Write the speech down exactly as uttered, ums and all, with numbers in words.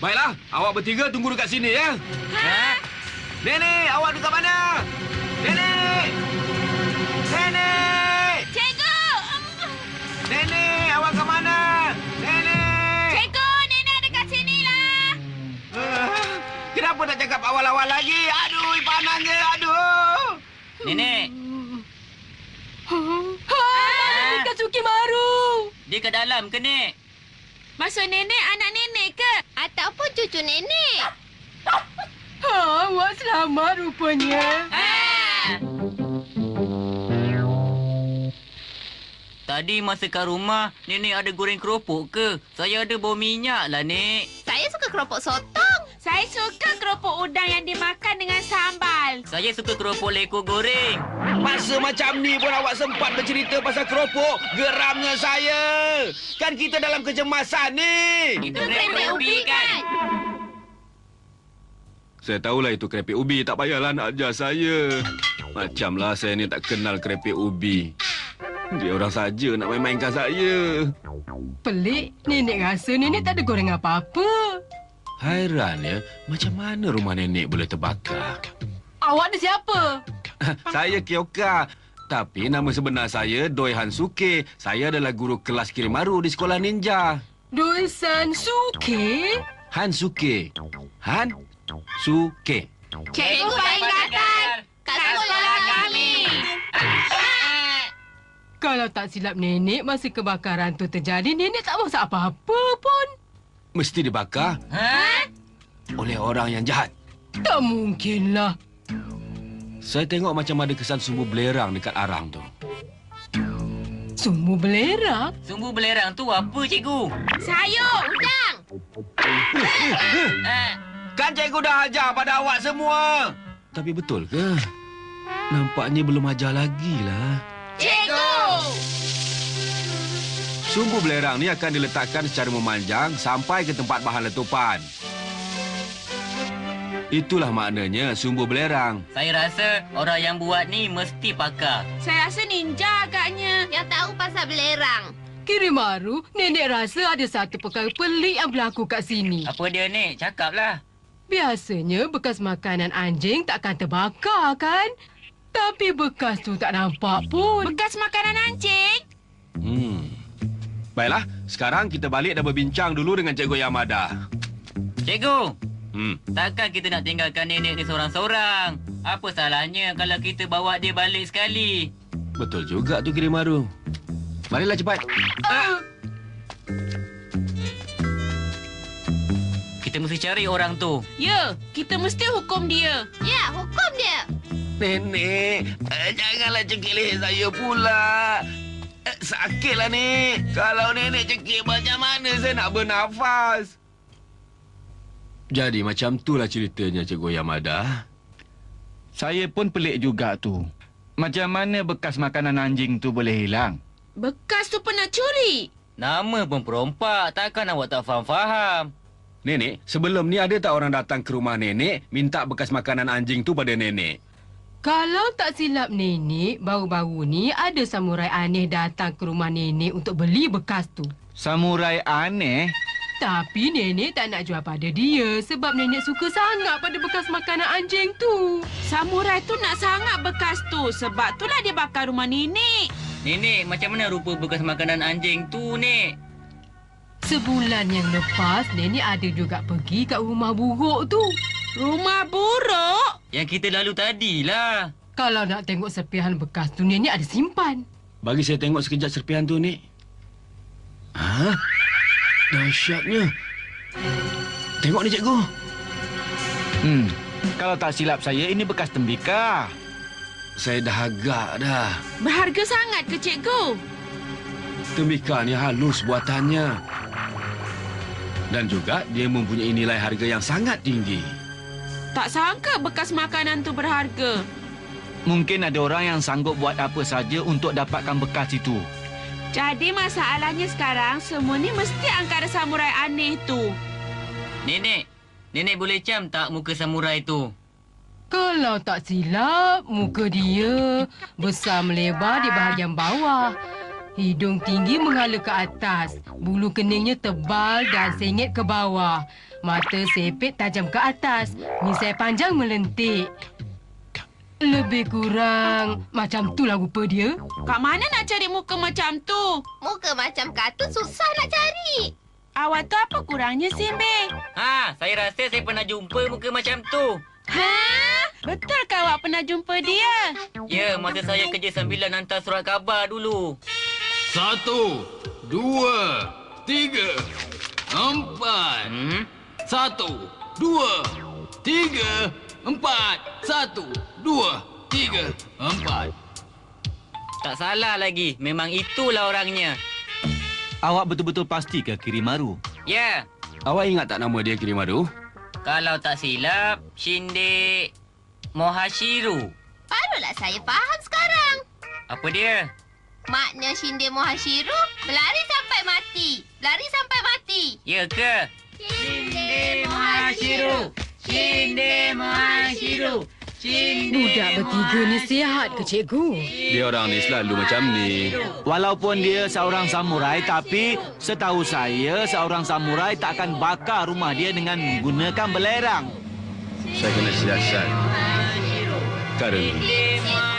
Baiklah, awak bertiga tunggu dekat sini ya. Ha? Nenek, awak dekat mana? Nenek! Nenek! Cikgu! Nenek, awak ke mana? Nenek! Cikgu, nenek ada kat sini lah. Uh, kenapa tak cakap awal-awal lagi? Aduh, panasnya, aduh! Nenek. Ha, Ah. Kak Sukimaru. Dia ke dalam ke, Nek? Maksud nenek anak nenek ke? Ataupun cucu nenek. Ha, awak selamat rupanya. Ha! Tadi masa kat rumah, Nenek ada goreng keropok ke? Saya ada bau minyak lah, Nek. Saya suka keropok sotong. Saya suka keropok udang yang dimakan dengan sambal. Saya suka keropok leko goreng. Masa macam ni pun awak sempat bercerita pasal keropok. Geramnya saya. Kan kita dalam kecemasan ni. Itu kerepek ubi kan? Saya tahulah itu kerepek ubi. Tak payahlah nak ajar saya. Macamlah saya ni tak kenal kerepek ubi. Dia orang saja nak main-mainkan saya. Pelik. Nenek rasa nenek tak ada goreng apa-apa. Hairan ya, macam mana rumah nenek boleh terbakar? Awak ni siapa? Saya Kyoka. Tapi nama sebenar saya Doi Hansuke. Saya adalah guru kelas Kirimaru di sekolah ninja. Doi-san Suke? Hansuke. Han Suke. Cikgu paling gatal kat sekolah kami. Kalau tak silap nenek, masa kebakaran tu terjadi, nenek tak masak apa-apa pun. Mesti dibakar Ha? oleh orang yang jahat. Tak mungkinlah. Saya tengok macam ada kesan sumbu belerang dekat arang tu. Sumbu belerang? Sumbu belerang tu apa, Cikgu? Sayur. Udang. Ha? Kan cikgu dah ajar pada awak semua. Tapi betul ke? Nampaknya belum ajar lagi lah. Cikgu. Sumbu belerang ni akan diletakkan secara memanjang sampai ke tempat bahan letupan. Itulah maknanya sumbu belerang. Saya rasa orang yang buat ni mesti pakar. Saya rasa ninja agaknya. Yang tahu pasal belerang. Kirimaru, nenek rasa ada satu perkara pelik yang berlaku kat sini. Apa dia, Nek? Cakaplah. Biasanya bekas makanan anjing takkan terbakar kan? Tapi bekas tu tak nampak pun. Bekas makanan anjing. Hmm. Baiklah, sekarang kita balik dan berbincang dulu dengan Cikgu Yamada. Cikgu, Hmm. takkan kita nak tinggalkan nenek ni seorang-seorang? Apa salahnya kalau kita bawa dia balik sekali? Betul juga tu Kirimaru. Marilah cepat. Ah. Kita mesti cari orang tu. Ya, kita mesti hukum dia. Ya, hukum dia. Nenek, eh, janganlah cekik leher saya pula. Eh, sakitlah, Nek. Kalau nenek cekik macam mana saya nak bernafas? Jadi macam itulah ceritanya, Cikgu Yamada. Saya pun pelik juga tu. Macam mana bekas makanan anjing tu boleh hilang? Bekas tu pernah curi. Nama pun perompak, takkan awak tak faham-faham. Nenek, sebelum ni ada tak orang datang ke rumah nenek minta bekas makanan anjing tu pada nenek? Kalau tak silap nenek, baru-baru ni ada samurai aneh datang ke rumah nenek untuk beli bekas tu. Samurai aneh? Tapi nenek tak nak jual pada dia sebab nenek suka sangat pada bekas makanan anjing tu. Samurai tu nak sangat bekas tu. Sebab itulah dia bakar rumah nenek. Nenek, macam mana rupa bekas makanan anjing tu, Nek? Sebulan yang lepas, nenek ada juga pergi kat rumah buruk tu. Rumah buruk? Yang kita lalu tadilah. Kalau nak tengok serpihan bekas tu, nenek ada simpan. Bagi saya tengok sekejap serpihan tu, Nek. Ha? Dahsyatnya. Tengok ni, Cikgu. Hmm, kalau tak silap saya, ini bekas tembikar. Saya dah agak dah. Berharga sangat ke, Cikgu? Tembikar ni halus buatannya. Dan juga dia mempunyai nilai harga yang sangat tinggi. Tak sangka bekas makanan tu berharga. Mungkin ada orang yang sanggup buat apa saja untuk dapatkan bekas itu. Jadi masalahnya sekarang, semua ni mesti angkara samurai aneh tu. Nenek, Nenek boleh cam tak muka samurai tu? Kalau tak silap, muka dia besar melebar di bahagian bawah. Hidung tinggi menghala ke atas. Bulu keningnya tebal dan sengit ke bawah. Mata sepit tajam ke atas. Misai panjang melentik. Lebih kurang macam tu lah rupa dia. Kat mana nak cari muka macam tu? Muka macam kartun susah nak cari. Awak tu apa kurangnya, Simbe? Ha, saya rasa saya pernah jumpa muka macam tu. Ha? Betul ke awak pernah jumpa dia? Ya, masa saya kerja sambilan hantar surat khabar dulu. Satu, dua, tiga, empat. Hmm? Satu, dua, tiga, empat. Satu, dua, tiga, empat. Tak salah lagi. Memang itulah orangnya. Awak betul-betul pasti ke Kirimaru? Ya. Awak ingat tak nama dia Kirimaru? Kalau tak silap, Shinde Mohashiru. Barulah saya faham sekarang. Apa dia? Makna Shinde Mohashiru, berlari sampai mati. Berlari sampai mati. Ya ke? Shinde Mohashiru. Shinde Mohashiru. Budak bertiga ni sihat ke, cikgu? Dia orang ni selalu macam ni. Walaupun dia seorang samurai, tapi setahu saya seorang samurai tak akan bakar rumah dia dengan menggunakan belerang. Saya kena siasat. Karena